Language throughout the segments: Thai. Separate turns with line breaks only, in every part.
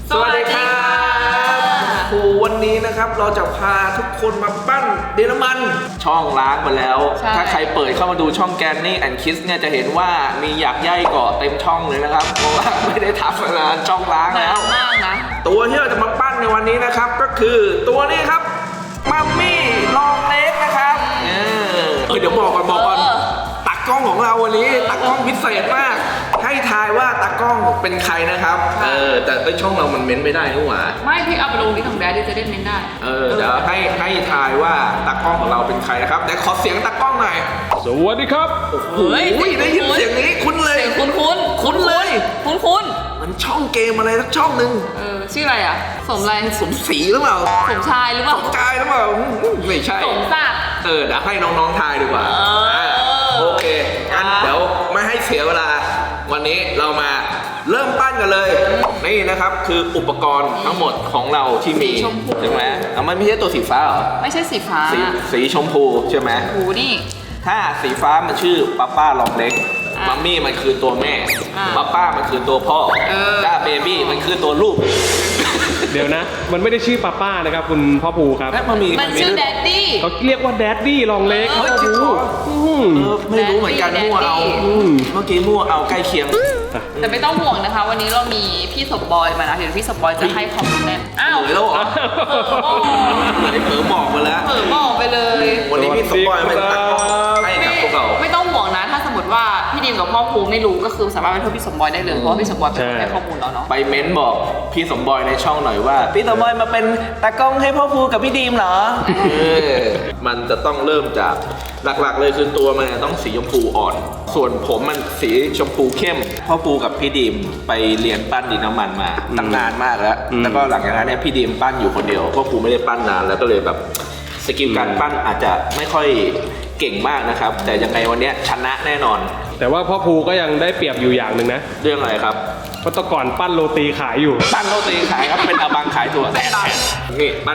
สวัสดีครับครูวันนี้นะครับเราจะพาทุกคนมาปั้นดินน้ำมันช่องล้างมาแล้วถ้าใครเปิดเข้ามาดูช่องแกนนี่แอนคิสเนี่ยจะเห็นว่ามีหยักใยเกาะเต็มช่องเลยนะครับเพราะว่าไม่ได้ทำมานานช่องล้างแล้ว
มากนะ
ตัวที่เราจะมาปั้นในวันนี้นะครับก็คือตัวนี้ครับมัมมี่ลองเล็กนะครับเดี๋ยวบอกก่อนตากล้องของเราวันนี้ตากล้องพิเศษมากให้ทายว่าตากล้องเป็นใครนะครับแต่ช่องเรามันเม้นไม่ได้นี่หว่า
ไม่พี่เอาไปลงที่ของแดดจะได้เม้นได้
เดี๋ยวให้ทายว่าตากล้องของเราเป็นใครนะครับแต่ขอเสียงตากล้องหน่อย
สวัสดีครับ
โอ้ยได้ยินเสียงนี้คุ้นเลย
คุ้นเลย
มันช่องเกมอะไรสักช่องหนึ่ง
ชื่ออะไรอ่ะสมอะไร
สมศรีหรือเปล่า
สมชายหรือเปล่า
สมชายหรือเปล่าไม่ใช่
สมศักดิ์
เดี๋ยวให้น้องๆทายดีกว่าโอเคงั้นเดี๋ยวไม่ให้เสียเวลาวันนี้เรามาเริ่มปั้นกันเลยนี่นะครับคืออุปกรณ์ทั้งหมดของเราที่มีใช่ไหมมันไม่ใช่ตัวสีฟ้าหรอ
ไม่ใช่สีฟ้า
สีชมพูใช่ไหม
ชมพูนี่
ถ้าสีฟ้ามันชื่อป้าลองเล็กมัมมี่มันคือตัวแม่ป้ามันคือตัวพ่อถ้าเบบี้มันคือตัวลูก
เดี๋ยวนะมันไม่ได้ชื่อป้านะครับคุณพ่อภูครับ
มันชื่อแดดดี้
เขาเรียกว่าแดดดี้ลองเล็ก
ไม่รู้เหมือนกันมั่วเอาเมื่อกี้มั่วเอาใกล้เคียง
แต่ไม่ต้องห่วงนะคะวันนี้เรามีพี่สมบอยมานะเดี๋ยวพี่สมบอยจะให้คอมเมนต์อ้าว
แล้วเหรอเผลอบอกมาแล้ว
เผลอบอกไปเลย
วันนี้พี่สมบอยเป็นตากล้องให้กับพวกเรา
ไม่ต้องห่วงนะถ้าสมมติว่าพี่ดีมกับพ่อภูไม่รู้ก็คือสามารถไปโทรพี่สมบอยได้เลยเพราะพี่สมบอยเป็นคนให้ข้อมูลเราเนาะ
ไปเม้นบอกพี่สมบอยในช่องหน่อยว่าพี่สมบอยมาเป็นตากล้องให้พ่อภูกับพี่ดีมเหรอมันจะต้องเริ่มจากหลักๆเลยคือตัวมันต้องสีชมพูอ่อนส่วนผมมันสีชมพูเข้มพ่อภูกับพี่ดีมไปเรียนปั้นดินน้ำมันมาตั้งนานมากแล้วแล้วก็หลังจากนั้นเนี่ยพี่ดีมปั้นอยู่คนเดียวพ่อภูไม่ได้ปั้นนานแล้วก็เลยแบบสกิลการปั้นอาจจะไม่ค่อยเก่งมากนะครับแต่ยังไงวันนี้ชนะแน่นอน
แต่ว่าพ่อภูก็ยังได้เปรียบอยู่อย่างหนึ่งนะ
เรื่องอะไรครับ
เพราะตะก่อนปั้นโรตีขายอยู่
ปั้นโรตีขายครับเป็นอาบังขายถั่วแต่นี่ปั้น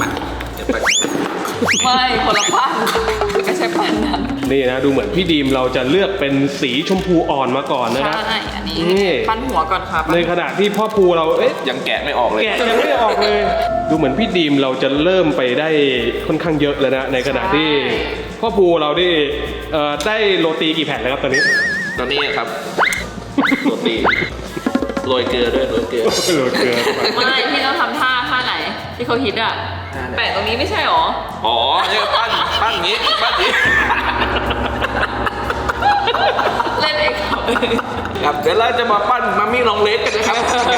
ไม่คนละปั้นไม่ใช่ปั้นนั้น
นี่นะดูเหมือนพี่ดีมเราจะเลือกเป็นสีชมพูอ่อนมาก่อนนะครับ
ใช่อันนี้ปั้นหัวก่อนครับ
ในขณะที่พ่อภูเรา
ยังแกะไม่ออกเลย
แกะยังไม่ออกเลยดูเหมือนพี่ดีมเราจะเริ่มไปได้ค่อนข้างเยอะแล้วนะในขณะที่พ่อภูเราได้โรตีกี่แผ่นแล้วครับตอนนี้
ครับโรตีโรยเกลือด้วยโรยเกลือ
ไม่พี่ต้องทำท่าไหนที่เขาฮิตอ่ะแปะตรงนี้ไม่ใช่หรอ
อ๋อเนี่ยปั้นนี้
เล่นเอง
ครับเดี๋ยวเราจะมาปั้นมัมมี่ลองเล็กกันนะครับ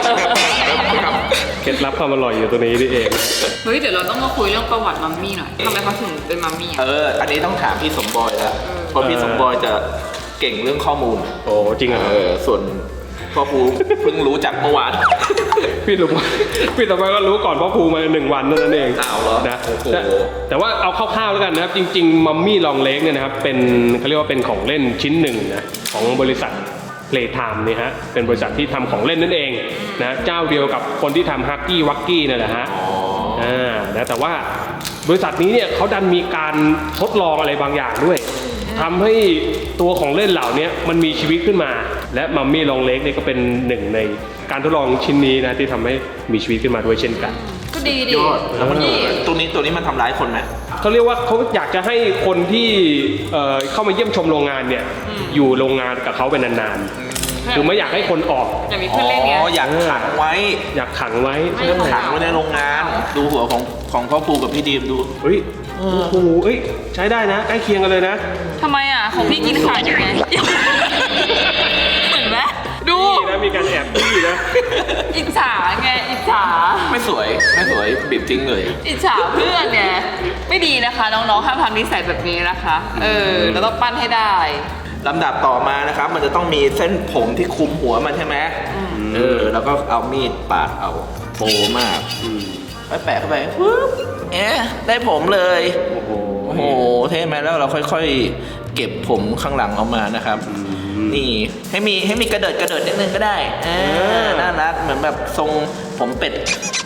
เคล็ดลับความอร่อยอยู่ตัวนี้นี่เอง
เฮ้ยเดี๋ยวเราต้องมาคุยเรื่องประวัติมัมมี่หน่อยทำไมเขาถึงเป็นมัมมี่
อันนี้ต้องถามพี่สมบอยแล้วเพราะพี่สมบอยจะเก่งเรื่องข้อมูล
โอ้จริงเหรอ
ส่วนพ่อภูเพิ่งรู้จักเมื่อวาน
พี่สมบอยก็รู้ก่อนพ่อภูมา1 วันนั่นเอง
นะ
แต่ว่าเอาคร่าวๆแล้วกันนะครับจริงๆมัมมี่ลองเล็กเนี่ยนะครับเป็นเขาเรียกว่าเป็นของเล่นชิ้นหนึ่งนะของบริษัทPlaytime นี่ฮะเป็นบริษัทที่ทำของเล่นนั่นเองนะเจ้าเดียวกับคนที่ทำฮักกี้วักกี้นั่นแหละฮะนะแต่ว่าบริษัทนี้เนี่ยเขาดันมีการทดลองอะไรบางอย่างด้วยทำให้ตัวของเล่นเหล่านี้มันมีชีวิตขึ้นมาและมัมมี่ลองเล็กเนี่ยก็เป็นหนึ่งในการทดลองชิ้นนี้นะที่ทำให้มีชีวิตขึ้นมาด้วยเช่นกัน
ก็ดี
ยอดแล้วมันตัวนี้มันทำร้ายคนไหม
เขาเรียกว่าเขาอยากจะให้คนที่เข้ามาเยี่ยมชมโรงงานเนี่ยอยู่โรงงานกับเขาเป็นนานๆคือไม่อยากให้คนออก
อยากมีเพื่อนเล่นเนี่ย
อยากขังไว้
ขังไว้
ในโรงงานดูหัวของพ่อภูกับพี่ดีมดู
เฮ้ยโอ้โหใช้ได้นะใกล้เคียงกันเลยนะ
ทำไมอ่ะของพี่กินขาดยังไงเห็นไหมดู
นะมีการแอบพี่นะ
อิจฉาไงอิจฉา
ไม่สวยบิดทิ้งเลย
อิจฉาเพื่อนเนี่ยไม่ดีนะคะน้องๆห้ามทำนิสัยแบบนี้นะคะเราต้องปั้นให้ได้
ลำดับต่อมานะครับมันจะต้องมีเส้นผมที่คุมหัวมันใช่ไหมแล้วก็เอามีดปาดเอาโปมากแปะเข้าไปปุ๊บได้ผมเลยโอ้โหเท่ไหมแล้วเราค่อยๆเก็บผมข้างหลังออกมานะครับนี่ให้มีกระเดิดนิดนึงก็ได้น่ารักเหมือนแบบทรงผมเป็ด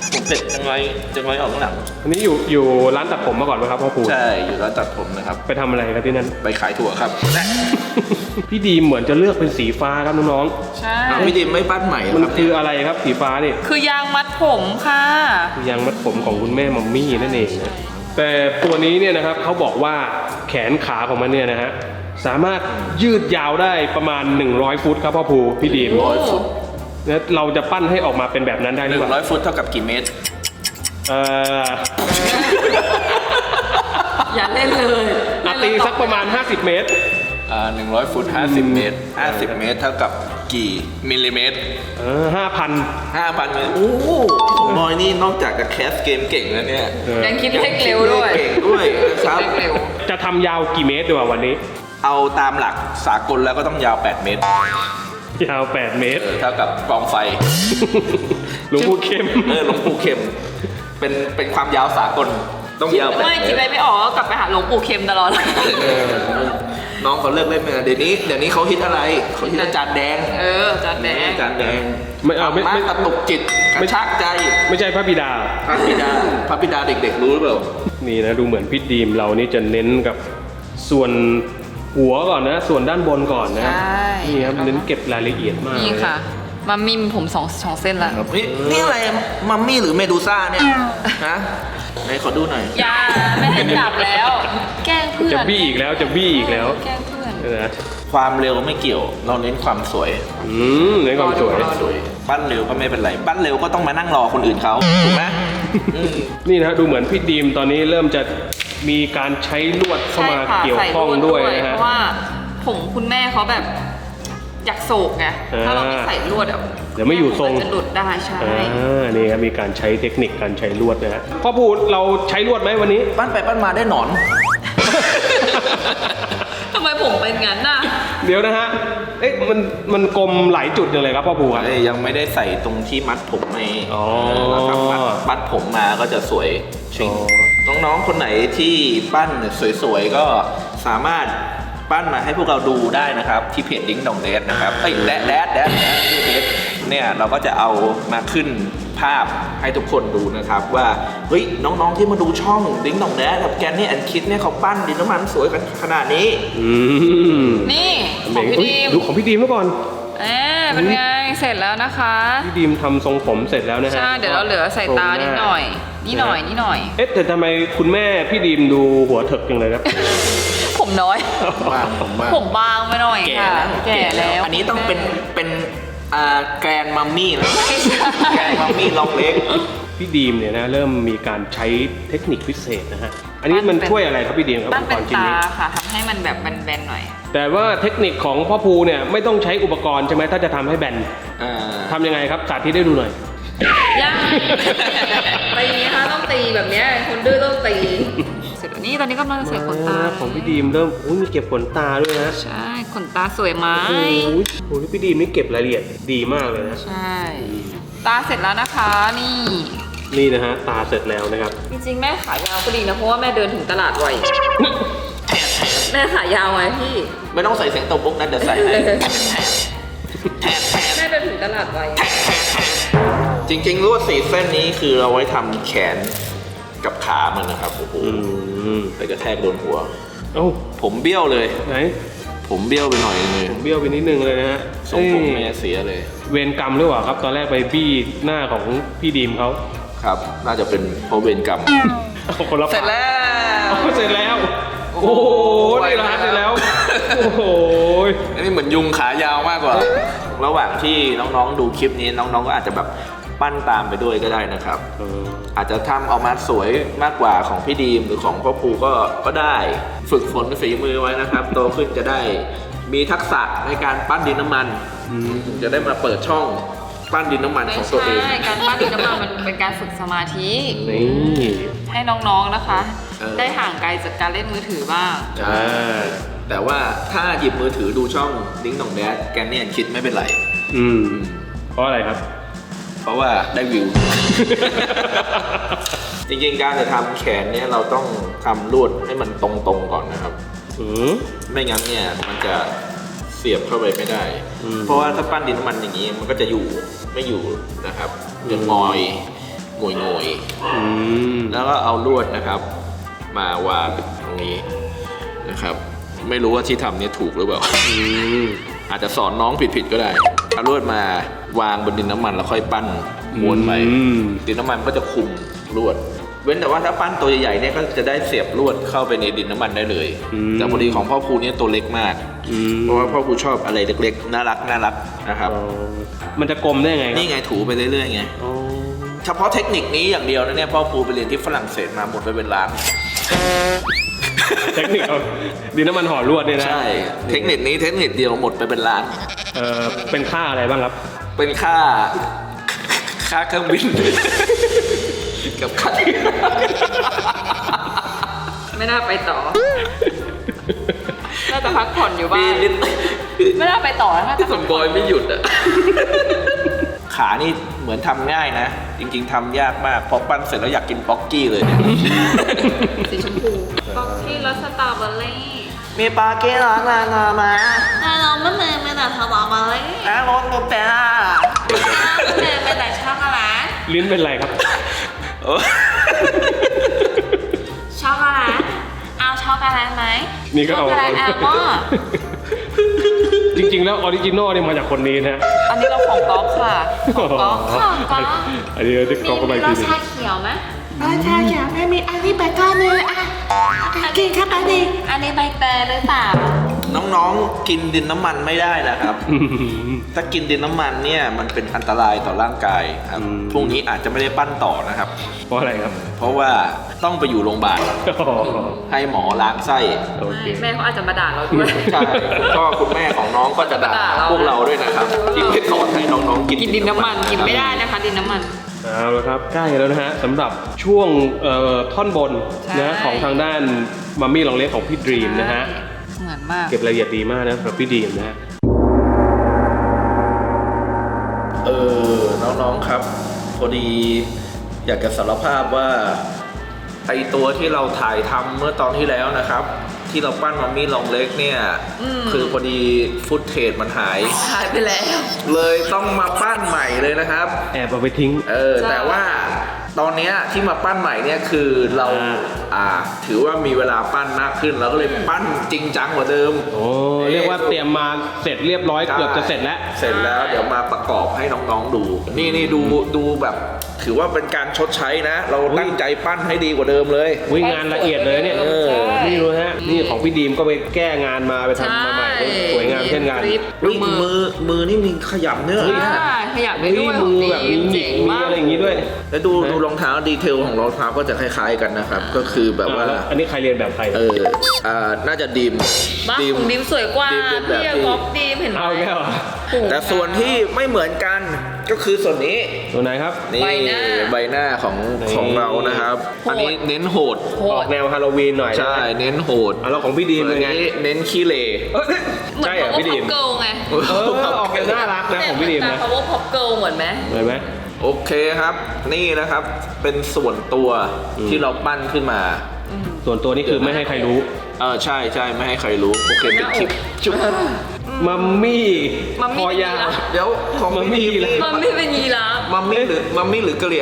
ผมเป็ดจังไรออกข้างหลัง
อันนี้อยู่ร้านตัดผมมาก่อนไหมครับพ่อครู
ใช่อยู่ร้านตัดผมนะครับ
ไปทำอะไรครับที่นั่น
ไปขายถั่วครับ
พี่ดีมเหมือนจะเลือกเป็นสีฟ้าครับน้อง
ใช่
พี่ดิมไม่ปั้นใหม่เหร
ๆ
อ
มัน
ครับ
คืออะไรครับสีฟ้านี่
คือยางมัดผมค่ะ
คือยางมัดผมของคุณแม่มัมมี่นั่นเองนะแต่ตัวนี้เนี่ยนะครับเขาบอกว่าแขนขาของมันเนี่ยนะฮะสามารถยืดยาวได้ประมาณ100 ฟุตครับพ่อภูพี่ดีม
100 ฟุต
แล้วเราจะปั้นให้ออกมาเป็นแบบนั้นได้หรือเปล่า
100 ฟุตเท่ากับกี่เมตร
เอ่อ
อย่าเล่นเลย
ตีสักประมาณ50 เมตร
100 ฟุต 50 เมตร 50 เมตรเท่ากับกี่มิลลิเมตร
5,000
5,000 เมตร โอ้โหบอยนี่นอกจากจะแคสเกมเก่งแล้วเนี่ย
ยังคิดเลขเร็วด้วย
เก่งด้วยนะครับ
เลขเร็ว
จะทำยาวกี่เมตรดีกว่าวันนี้
เอาตามหลักสากลแล้วก็ต้องยาว 8 เมตร
ยาว 8 เมตร
เท่ากับกองไฟ
หลวงปู่เข้ม
หลวงปู่เข็ม เป็นความยาวสากล ต้องยาว8
ไม่
เม
คิด
ต
อะไร
ร
ไม่ออกก็กลับไปหาหลวงปู่เข็มตลอด
น้องเขาเลิกเล่นไปแล้วเดี๋ยวนี้เขาฮิตอะไรเขาฮิตอาจารย์แดง
จานแดง
อาจารย์แดง
ไม่เอาไม่
ธรรมะกระตุกจิตกระชากใจ
ไม่ใช่พระบิดา
พระบิดาเด็กๆรู้หรือเปล่า
นี่นะดูเหมือนพี่ดีมเรานี่จะเน้นกับส่วนหัวก่อนนะ ส่วนด้านบนก่อนนะ
ใช่
นี่ครับเน้นเก็บรายละเอียดมาก
นี่ค่ะ มามิมผมสองเส้นละ
นี่อะไรมัมมี่หรือเมดูซ่าเนี่ยฮะไหนขอดูหน่อย
อย่าไม่ให้จับแล้ว แกล้งเพื่อน
จะบี้อีกแล้วจะบี้อีกแล้ว
แกล้งเพื่อน
นะ
ความเร็วไม่เกี่ยว เราเน้นความสวย
เน้นความสวย
รอดู
ปั้นเร็วก็ไม่เป็นไรปั้นเร็วก็ต้องมานั่งรอคนอื่นเขาถูกไหมอืม
นี่นะดูเหมือนพี่ดีมตอนนี้เริ่มจะมีการใช้ลวดเข้ามา
ใช่ค่ะ
เกี่ยวข้อง
ใส่ล
ด้วยนะ
เพ
ฮะ
ราะว่าผมคุณแม่เขาแบบอยากโศกไง ถ้าเราไม่ใส่ลวดอ่ะ
เดี๋ยวไม่อยู่ทรง
จะหลุดได้ใช่
นี่ครับมีการใช้เทคนิคการใช้ลวดนะฮะพ่อพูดเราใช้ลวดไหมวันนี้
ปั้นไปปั้นมาได้หนอน
ทำไมผมเป็นงั้นน่ะ
เดี๋ยวนะฮะ เอ๊ะมันกลมหลายจุดจังเลยครับพ่อภูครับ
ยังไม่ได้ใส่ตรงที่มัดผมใน
อ๋อ
เราทำมัดผมมาก็จะสวยชิง
อ๋
น้องๆคนไหนที่ปั้นสวยๆก็สามารถปั้นมาให้พวกเราดูได้นะครับที่เพจดิ้งดองเดดนะครับเอ้ยแดดที่เพจเนี่ยเราก็จะเอามาขึ้นภาพให้ทุกคนดูนะครับว่าเฮ้ยน้องๆที่มาดูช่องดิ้งดองเดดกับแกนนี่แอนคิดเนี่ยเขาปั้นดินน้ำมันสวยกันขนาดนี้
นี่ของพี่ดีม
ดูของพี่ดีมเมื่อก่อน
เป็นไง เสร็จแล้วนะคะ
พี่ดีมทำทรงผมเสร็จแล้วนะฮะ
ใช่ เดี๋ยวเราเหลือใส่ตานิดหน่อย นี่หน่อย
เอ๊ะแต่ทำไมคุณแม่พี่ดีมดูหัวเถิกจังเลยครับ
ผมน้อย
ผมว่า
ผมบางไปหน่อย
แก่
ค่ะ
แล้ว
แก่แล้ว
อันนี้ต้องเป็นแกรนมัมมี่นะ
ไม่ใช่
แกรนมัมมี่ลองเล็ก
พี่ดีมเนี่ยนะเริ่มมีการใช้เทคนิคพิเศษนะฮะ อันนี้มันช่วยอะไรครับพี่ดีมครับ
ตั้ง
อุป
เป็
ก
น
รณ์ชิ้น
ตา
นี้
ค่ะทำให้มันแบบแบนๆหน่อย
แต่ว่าเทคนิคของพ่อภูเนี่ยไม่ต้องใช้อุปกรณ์ใช่ไหมถ้าจะทำให้แบนทำยังไงครับสาธิตได้ดูหน่อย
ยากตีค่ะต้องตีแบบเนี้ยคนดื้อต้องตี เสร็จแล้วนี่ตอนนี้กำลังจะใส่ขนตา
ของพี่ดีมเริ่มมีเก็บขนตาด้วยนะ
ใช่ขนตาสวยไหม
โอ้โหพี่ดีมนี่เก็บรายละเอียดดีมากเลยนะ
ใช่ ตาเสร็จแล้วนะคะนี่
นี่นะฮะตาเสร็จแล้วนะครับ
จริงๆแม่ขายาวก็ดีนะเพราะว่าแม่เดินถึงตลาดไวแม่ขายาวไงพี่
ไม่ต้องใส่เสียงตบมุกนะเดี๋ยวใส่ให้
แม่เดินถึงตลาดไว
จริงๆลวด4 เส้นนี้คือเราไว้ทำแขนกับขามันนะครับโอ้โหไปกระแทกโดนหัว
เอ้า
ผมเบี้ยวเลย
ไหน
ผมเบี้ยวไปหน่อยนึงเลย
ผมเบี้ยวไปนิดนึงเลยนะฮะ
ทรงผม
เอ้ย
แม่เสียเลย
เวรกรรมหรือเปล่าครับ ตอนแรกไปบี้หน้าของพี่ดีมเขา
ครับ น่าจะเป็นเพราะเวรกรรม
เอาคนละ
เสร็จแล้ว
เสร็จแล้ว โอ้โหนี่ร้านเสร็จแล้ว โอ้โห
อันนี้เหมือนยุงขายาวมากกว่า ระหว่างที่น้องๆดูคลิปนี้น้องๆก็อาจจะแบบปั้นตามไปด้วยก็ได้นะครับ อาจจะทำออกมาสวยมากกว่าของพี่ดีมหรือของพ่อภูก็ได้ ฝึกฝนฝีมือไว้นะครับ โตขึ้นจะได้มีทักษะในการปั้นดินน้ำมันถึงจะได้มาเปิดช่องปั้นดินน้ำมัน
ไม่
ของตัวเอง
ใช่การปั้นดินน้ำมันมันเป็นการฝึกสมาธิ
นี่
ให้น้องๆนะคะ ได้ห่างไกลจากการเล่นมือถือบ้าง
ใช่แต่ว่าถ้าหยิบมือถือดูช่องดิ้งดองแดดแกนเนี่ยคิดไม่เป็นไร
เพราะอะไรครับ
เพราะว่าได้วิว จริงๆการจะทำแขนเนี่ยเราต้องทำลวดให้มันตรงๆก่อนนะครับ ไม่งั้นเนี่ยมันจะเสียบเข้าไปไม่ได้ เพราะว่าถ้าปั้นดินน้ำมันอย่างนี้มันก็จะอยู่ไม่อยู่นะครับจะงอยโงย
อืม
ๆแล้วก็เอาลวดนะครับ มาวางตรงนี้นะครับ ไม่รู้ว่าที่ทำเนี่ยถูกหรือเปล่า
อืม
อาจจะสอนน้องผิดๆก็ได้เอาลวดมาวางบนดินน้ำมันแล้วค่อยปั้นม้วนไป
อืม
ดินน้ำมันก็จะคุมลวด เว้นแต่ว่าถ้าปั้นตัวใหญ่ๆเนี่ยก็จะได้เสียบลวดเข้าไปในดินน้ำมันได้เลย แต่พอดีของพ่อครูเนี่ยตัวเล็กมาก
อืม
เพราะว่าพ่อครูชอบอะไรเล็กๆน่ารักนะครับ
อ๋อมันจะกลมได้ไงครับ
นี่ไงถูไปเรื่อยๆไง
อ๋อ
เฉพาะเทคนิคนี้อย่างเดียวนะเนี่ยพ่อครูไปเรียนที่ฝรั่งเศสมาหมดไปเป็นล้าน
เทคนิคเอาดินน้ำมันห่อลวดเนี่ยนะ
ใช่ เทคนิคนี้เทคนิคเดียวหมดไปเป็นล้าน
เป็นค่าอะไรบ้างครับ
เป็นค่าเครื่องบิน กับค่า
ไม่น่าไปต่อ น่าจะพักผ่อนอยู่บ้าน ไม่น่าไปต่อน่าจะ
ที่สมบอยไม่หยุดอ่ะ ขานี่เหมือนทำง่ายนะ จริงๆทำยากมากพอปั้นเสร็จแล้วอยากกินป๊อกกี้เลยเนี่ย
สีชมพูบ็อกซี่รสสตรอเบอรี่
มีปลาเก้ร้อนมามา
เราไม่เนยไม่แต่สตรอเบอรี่
รถแต่
เนยไม่แต่ช็อกโกแลต
ลิ้นเป็นไรครับ
ช็อกโกแลตเอาช็อกโกแลตไหม
นี่ก็เอา
ช็อกโกแลตแอลมอนด์
จริงๆแล้วออริจินอลเนี่ยมาจากคนนี้นะ
อันนี้เราของก๊อฟค่ะของก๊อฟค่ะก๊อฟ
อันนี้เราจะกรอกเข้าไป
มี
ที
รส
นึง
ชาเขียวไหม
ใช่ค่ะไม่มีอันนี้ไปก้อนเลยอ่ะกินครับอันนี้
อันนี้ใบเตยหรือเปล่า
น้องๆกินดินน้ำมันไม่ได้นะครับ ถ้ากินดินน้ำมันเนี่ยมันเป็นอันตรายต่อร่างกายครับ
อืม
พรุ่งนี้อาจจะไม่ได้ปั้นต่อนะครับ
เพราะอะไรครับ
เพราะว่าต้องไปอยู่โรงพยาบาลให้หมอล้างไส้
โอเค
แม่เขาอาจจะมาด่าเราด้วย
ใช่คุณพ่อคุณแม่ของน้องก็จะด่า
ด่าเรา
พวกเราด้วยนะครับ ที่ไม่สอนให้น้องๆกิน
กินดินน้ำมันกินไม่ได้นะคะดินน้ำมัน
เอาละครับใกล้แล้วนะฮะสำหรับช่วงท่อนบน
ใช่
นะของทางด้านมัมมี่ลองเล็กของพี่ดรีมนะฮะ
เหมือนมาก
เก็บรายละเอียดดีมากนะสำหรับพี่ดรีมนะฮะ
น้องๆครับ พอดีอยากจะสารภาพว่าไอตัวที่เราถ่ายทำเมื่อตอนที่แล้วนะครับ ที่เราปั้นมัมมี่ลองเล็กเนี่ย คือพอดีฟุตเทจมันหาย
หายไปแล้ว
เลยต้องมาปั้นใหม่เลยนะครับ
แอบเอาไปทิ้ง
ใช่
แต่ว่าตอนเนี้ยที่มาปั้นใหม่เนี่ยคือเราถือว่ามีเวลาปั้นมากขึ้นเราก็เลยปั้นจริงจังกว่าเดิม
โอ้เรียกว่าเตรียมมาเสร็จเรียบร้อยเกือบจะเสร็จแล้ว
เสร็จแล้วเดี๋ยวมาประกอบให้น้องๆดู นี่ดูแบบถือว่าเป็นการชดใช้นะ เราตั้งใจปั้นให้ดีกว่าเดิมเลย
วิ่งงานละเอียดเลยเนี่ย
ใช่
นี่ดูฮะนี่ของพี่ดีมก็ไปแก้งานมาไปทำมาใหม่สวยงามเช่นกัน
คลิป
นี่มือนี่มีขยับเนื้อเลยนะ
ขยับได้ด้วย
มือแบบมีหงิ
เจ๋
ก
ง
มี
มาก
อะไรอย่างงี้ด้วย
แล้วดูรองเท้าดีเทลของรองเท้าก็จะคล้ายๆกันนะครับ ก็คือแบบว่า
อันนี้ใครเรียนแบบใคร
น่าจะดีม
บ้านของดิมสวยกว่า
ดีมเป็นแบบ
พี่
ที่
ก๊อฟดิมเห็นไหม
เอาแก้วเหรอ
แต่ส่วนที่ไม่เหมือนกันก็คือส่วนนี้
ตัวไหนครับ
นี่
ใบหน้า
ใบหน้าของ
นี่
ของเรานะครับ
โหด
อันนี้เน้นโหด
โห
ออ
ด
กแนวฮาโลวีนหน่อยนะ
ใช่เน้นโหด
แล้วของพี่ดีมเป็นไง
อันนี้เน้นขี้เหร่
เหมือน
ใช่เหรอ
power
พี่ดีม
pop girl ไง
ออกแนวน่ารักนะของพี่ดีมนะ
power pop girl เหมือนไหม
เหมือนไหม
โอเคครับ นี่นะครับเป็นส่วนตัวที่เราปั้นขึ้นมา
ส่วนตัวนี่คือไม่ให้ใครรู้
ใช่ใช่ไม่ให้ใครรู้ โอเคเป็นคลิปจุ๊บ
มัมมี่
มัมมี่
คอยาว
เป็นยีราฟ
เดี๋ยวของ
มัมมี่
พี่
เหรอ
นี่
มันไม่เป็นยีราฟ
มัมมี่หรือกะเหรี่ยง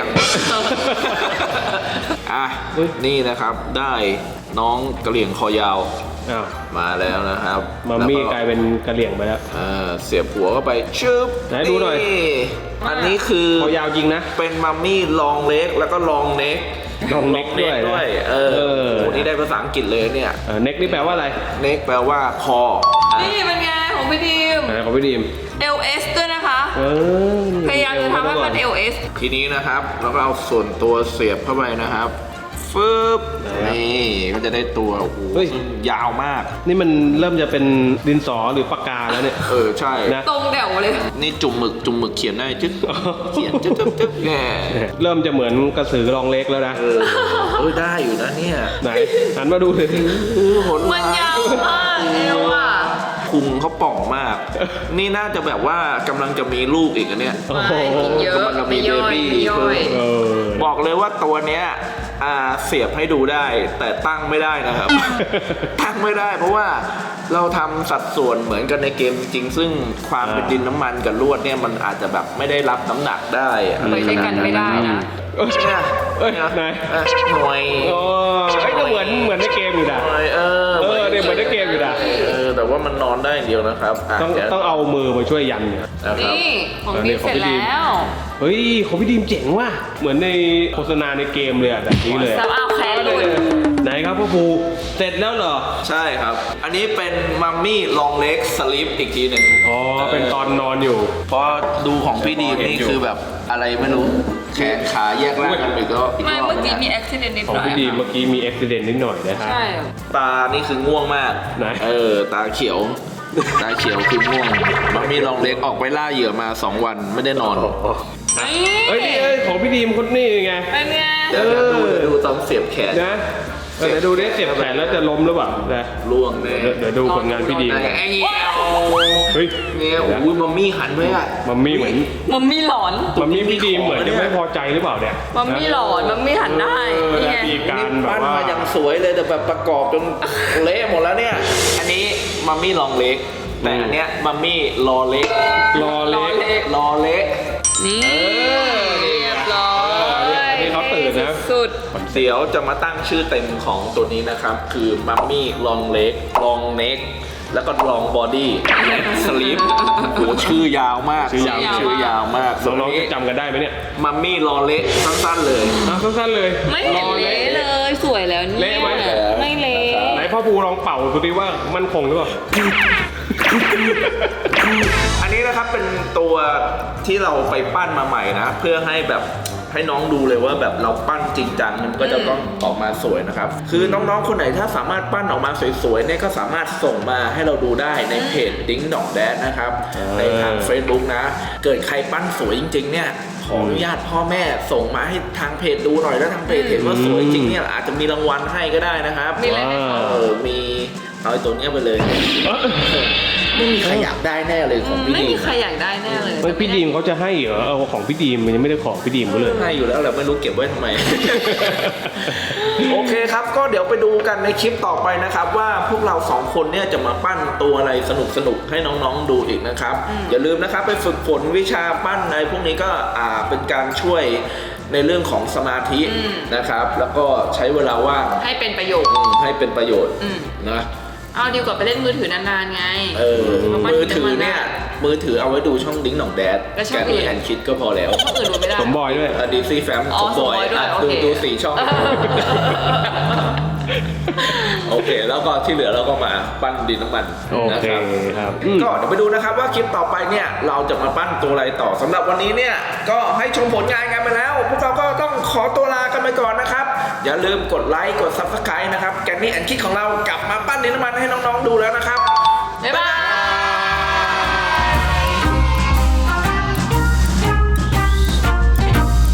อ่ะนี่นะครับได้น้องกะเหรี่ยงคอยาว
อ้าว
มาแล้วนะครับ
มัมมี่
แว
กลายเป็นกะเหลี่ยงไปแล้ว
เสียบหัวเข้าไปชึบ
ไหนดูหน่อย
อันนี้คือ
คอยาวจริงนะ
เป็นมัมมี่ลองเล็กแล้วก็ลองเน็ก
ลองเน็กด้วยนะ
ด้วยโอ้โหนี่ได้ภาษาอังกฤษเลยเนี่ย
เน็กนี่แปลว่าอะไร
เน็กแปลว่าคอ
นี่เป็นไงของพี่ดิม
ของพี่ดีม
LS ด้วยนะคะ
นี่
พยายามจะทำให้มัน LS
ทีนี้นะครับเราก็เอาส่วนตัวเสียบเข้าไปนะครับฟึบนี่ก็จะได้ตัวโอ้โห
เฮ้ย
ยาวมาก
นี่มันเริ่มจะเป็นดินสอหรือปากกาแล้วเนี่ย
ใช่
นะ
ตรงเดี่ยวเลย
นี่จุ่มหมึกเขียนได้จึ๊กเขียนจึ๊กแหม
เริ่มจะเหมือนกระสือรองเล็กแล้วนะ
ได้อยู่นะเนี่ย
ไหนหันมาดูเลย
โหด
มันยาวมากเอวอ่ะ
พุงเขาป่องมาก นี่น่าจะแบบว่ากำลังจะมีลูกอีกอันเนี้ย
โอ้โห
ไม่กินเยอะ
กำลังจะมี
ไม่ย่อย
baby
ไม่ย่อย
เออ
บอกเลยว่าตัวเนี้ยเสียบให้ดูได้ แต่ตั้งไม่ได้นะครับ ตั้งไม่ได้ เพราะว่าเราทำสัดส่วนเหมือนกันในเกมจริงๆซึ่งความเป็นดินน้ำมันกับลวดเนี่ยมันอาจจะแบบไม่ได้รับน้ำหนักได้อะไร
ไปด้วยกันไม่ได้นะ
ใช่ไหม
เอ้ยไหน
หน่วย
โอ้ยก็เหมือนในเกมอยู่นะ
หน่วย
เนี่ยเหมือนในเกมอยู่นะ
แต่ว่ามันนอนได้อย่างเดียวนะครับเดี๋ยว
ต้องเอามือมาช่วยยันเนี่ย
นะครับ
นี่ของพี่เสร็จแล้ว
เฮ้ยของพี่ดีมเจ๋งว่ะเหมือนในโฆษณาในเกมเลยอะแบบนี้เลย
ซับเอาแคนหลุด
ไหนครับพ่อภูเสร็จแล้วเหรอ
ใช่ครับ อันนี้เป็นมัมมี่ลองเล็กสลิปอีกทีหนึ่ง
อ๋อเป็นตอนนอนอยู่
เพราะดูของพี่ดีมนี่คือแบบอะไรไม่รู้แขนขาแยกร่างกันไปก็อีก
ไม่
รอบ
เมื่อกี้
นะ
มีอุบิเหตุนิด
ขอ
ห
ง
น่อย
พี่ดีม
ค่ะ
เมื่อกี้มีอุบิเหตุนิดหน่อยนะครับ
ใช่
ตานี่คือง่วงมาก
ไหน
ตาเขียว ตาเขียวคือง่วงมัมมี่ลองเล็กออกไปล่าเหยื่อมา2 วันไม่ได้นอน
เอ้ยนี่ของพี่ดีมคนนี้ไง
เป็นไง
เดี๋ยวดูตอนเสียบแขน
นะเดี๋ยวดูดิเสียบแขนแล้วจะล้มหรือเปล่านะ
ล่วงเลย
เดี๋ยวดูผลงานพี่ดีม
ไอ้เงี้ย
เฮ้ย
เนี่ยอุ้ยมัมมี่หันไว้อะ
มัมมี่เหมือน
มัมมี่หลอน
มัมมี่พี่ดีมเหมือนจะไม่พอใจหรือเปล่าเนี่ย
มัมมี่หลอนมัมมี่หันได้ นี่ไง
มีการแบบ
ปั้น
ว่า
มาอย่างสวยเลยแต่แบบประกอบจนเละหมดแล้วเนี่ย อันนี้มัมมี่ลองเล็ก แต่อันเนี้ยมัมมี่รอเล็ก
รอเล็ก
รอเล็ก
นี่เรียบร้อย
อันนี้เขาตื่นนะ
สุด
เดี๋ยวจะมาตั้งชื่อเต็มของตัวนี้นะครับ คือมัมมี่ลองเล็กลองเน็กแล้วก็ลองบอดี้สลิปโหชื่อยาวมาก
ชื่อยาว
ชื่อยาวมาก
น้องๆจะจำกันได้ไหมเนี่ย
มัมมี่รอเล็กสั้นๆเลย
สั้นๆเลย
ไม่เห็นเละเลย สวยแล้วเนี่ย
เละไหม
ไม่เละ
ไหนพ่อภูลองเป่าดูดิว่ามันคงหรือเปล่า
อันนี้นะครับเป็นตัวที่เราไปปั้นมาใหม่นะ เพื่อให้แบบให้น้องดูเลยว่าแบบเราปั้นจริงจังมันก็จะต้องออกมาสวยนะครับ คือน้องๆคนไหนถ้าสามารถปั้นออกมาสวยๆเนี่ยก็สามารถส่งมาให้เราดูได้ในเพจดิ้งดองแดดนะครับในทาง Facebook นะ เกิดใครปั้นสวยจริงๆเนี่ยขออนุญาตพ่อแม่ส่งมาให้ทางเพจดูหน่อยแล้วทางเพจเห็นว่าสวยจริงเนี่ยอาจจะมีรางวัลให้ก็ได้นะครับ
มีอะไรไหมคะ
มีเอาไอ้ตัวเนี้ยไปเลย ไม่มีใครอยากได้แน่เลยของพี่
ไม่
ดี
มี
ม
ใครอยากได้แน่เลย
เฮ้ยพี่ดีมเขาจะให้เหรอเอาของพี่ดีมมันยังไม่ได้ขอพี่ดีมเขาเลย
ให้อยู่แล้วแหละไม่รู้เก็บไว้ทำไม โอเคครับก็เดี๋ยวไปดูกันในคลิปต่อไปนะครับ ว่าพวกเรา2คนเนี่ยจะมาปั้นตัวอะไรสนุกๆให้น้องๆดูอีกนะครับ อย่าลืมนะครับไปฝึกฝนวิชาปั้นอะไรพวกนี้ก็เป็นการช่วยในเรื่องของสมาธินะครับ แล้วก็ใช้เวลาว่าง
ให้เป็นประโยชน์
ให้เป็นประโยชน์นะ
เอาดีกว่าไปเล่นมือถือนานๆไง
มือถือเนี่ยมือถือเอาไว้ดูช่องดิ้งหนองแดด
แล้วช่
แก
องอื่
นี่
น
แอนคิดก็พอแล้ว
ช่องอื่นดูไม่ได้
สมบอยด้วย
ดีซีแฟม
อ๋อ
สมบอย
สมบอยด้วย
อ่ะ
โอเค
ดู4 ช่อง โอเค แล้วก็ที่เหลือเราก็มาปั้นดินน้ำมัน
โอ
นะ
เค
ครับ
ครับ
ก็เดี๋ยวไปดูนะครับว่าคลิปต่อไปเนี่ยเราจะมาปั้นตัวอะไรต่อสำหรับวันนี้เนี่ยก็ให้ชมผลงานกันไปแล้ว พวกเราก็ต้องขอตัวลากันไปก่อนนะครับ อย่าลืมกดไลค์กด Subscribe นะครับแกนนี่แอนคิดของเรากลับมาปั้นดินน้ำมันให้น้องๆดูแล้วนะครับ
บ๊ายบาย